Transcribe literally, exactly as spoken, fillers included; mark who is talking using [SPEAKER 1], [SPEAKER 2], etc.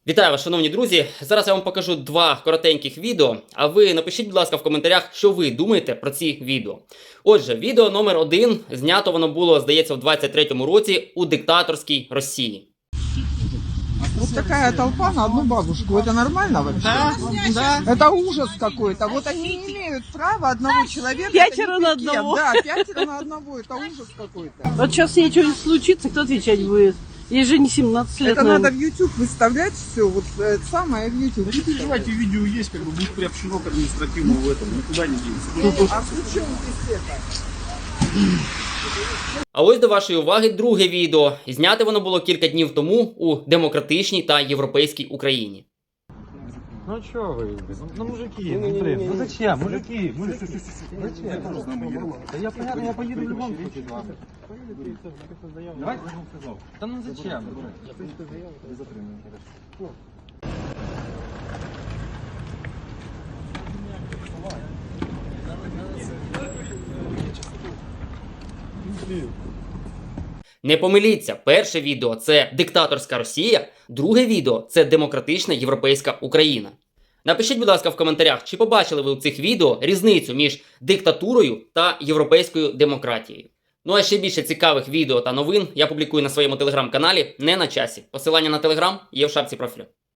[SPEAKER 1] Вітаю вас, шановні друзі! Зараз я вам покажу два коротеньких відео, а ви напишіть, будь ласка, в коментарях, що ви думаєте про ці відео. Отже, відео номер один, знято воно було, здається, в двадцять третьому році у диктаторській Росії.
[SPEAKER 2] Вот такая толпа на одну бабушку. Это нормально вообще?
[SPEAKER 3] Да, да.
[SPEAKER 2] Это ужас какой-то. Вот они не имеют права одного человека.
[SPEAKER 3] Пятеро
[SPEAKER 2] это не
[SPEAKER 3] на
[SPEAKER 2] пикет.
[SPEAKER 3] одного.
[SPEAKER 2] Да, пятеро на одного. Это ужас какой-то.
[SPEAKER 3] Вот сейчас ей что-нибудь случится, кто отвечать будет? Ей же не семнадцать лет.
[SPEAKER 2] Это
[SPEAKER 3] наверное.
[SPEAKER 2] надо в YouTube выставлять все. Вот это самое в YouTube.
[SPEAKER 4] Да не переживайте, видео есть, как бы будет приобщено к административному в этом, никуда не денется.
[SPEAKER 2] А при чем здесь это?
[SPEAKER 1] А ось до вашої уваги друге відео. Зняте воно було кілька днів тому у демократичній та європейській Україні.
[SPEAKER 5] Ну чё вы, ну мужики, ну блин, ну зачем, мужики, мужики, зачем? Да я понятно, я поеду в любом случае. Давай, да ну зачем?
[SPEAKER 1] Не помиліться, перше відео – це диктаторська Росія, друге відео – це демократична європейська Україна. Напишіть, будь ласка, в коментарях, чи побачили ви у цих відео різницю між диктатурою та європейською демократією. Ну а ще більше цікавих відео та новин я публікую на своєму телеграм-каналі «Не на часі». Посилання на телеграм є в шапці профілю.